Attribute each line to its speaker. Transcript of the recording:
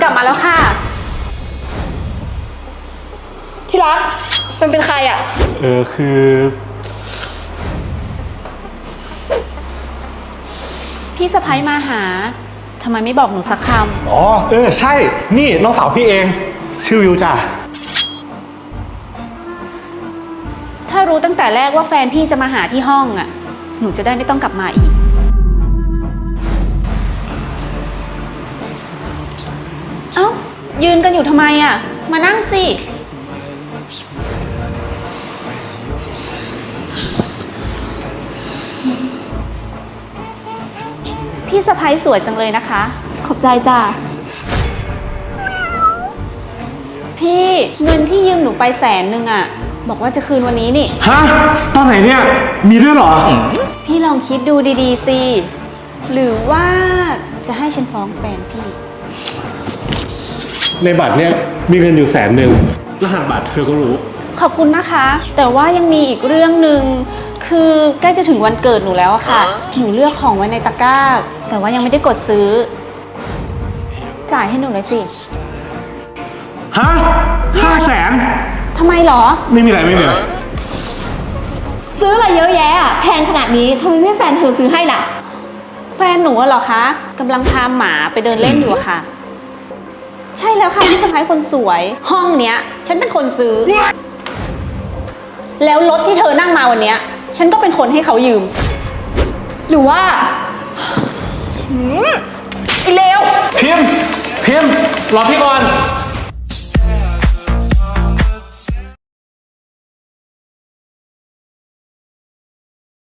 Speaker 1: กลับมาแล้วค่ะที่รักมันเป็นใครอ่ะ
Speaker 2: คือ
Speaker 1: พี่สะพ้ยมาหาทำไมไม่บอกหนูสักคำ
Speaker 2: อ๋อใช่นี่น้องสาวพี่เองชื่อวิวจ้ะ
Speaker 1: ถ้ารู้ตั้งแต่แรกว่าแฟนพี่จะมาหาที่ห้องอ่ะหนูจะได้ไม่ต้องกลับมาอีกเอ้ายืนกันอยู่ทำไมอ่ะมานั่งสิพี่สะพ้ยสวยจังเลยนะคะขอบใจจ้าพี่เงินที่ยืมหนูไป100,000อ่ะบอกว่าจะคืนวันนี้นี่
Speaker 2: ฮะตอนไหนเนี่ยมีด้วยเหรอ
Speaker 1: พี่ลองคิดดูดีๆสิหรือว่าจะให้ฉันฟ้องแฟนพี่
Speaker 2: ในบัตรเนี่ยมีเงินอยู่100,000รหัสบัตรเธอก็รู้
Speaker 1: ขอบคุณนะคะแต่ว่ายังมีอีกเรื่องหนึ่งคือใกล้จะถึงวันเกิดหนูแล้วอะค่ะหนูเลือกของไว้ในตะกร้าแต่ว่ายังไม่ได้กดซื้อจ่ายให้หนูหน่อยสิ
Speaker 2: ฮะ500,000
Speaker 1: ทำไมหรอ
Speaker 2: ไม่มีอะไร
Speaker 3: ซื้ออะไรเยอะแยะอ่ะแพงขนาดนี้ทำไมไม่แฟนเธอซื้อให้ล่ะ
Speaker 1: แฟนหนูเหรอคะกำลังพาหมาไปเดินเล่นอยู่อะค่ะใช่แล้วค่ะพี่สะพ้ายคนสวยห้องเนี้ยฉันเป็นคนซื้อแล้วรถที่เธอนั่งมาวันเนี้ยฉันก็เป็นคนให้เขายืม
Speaker 3: หรือว่าไอ้เลว
Speaker 2: พิมพ์รอพี่ก่อน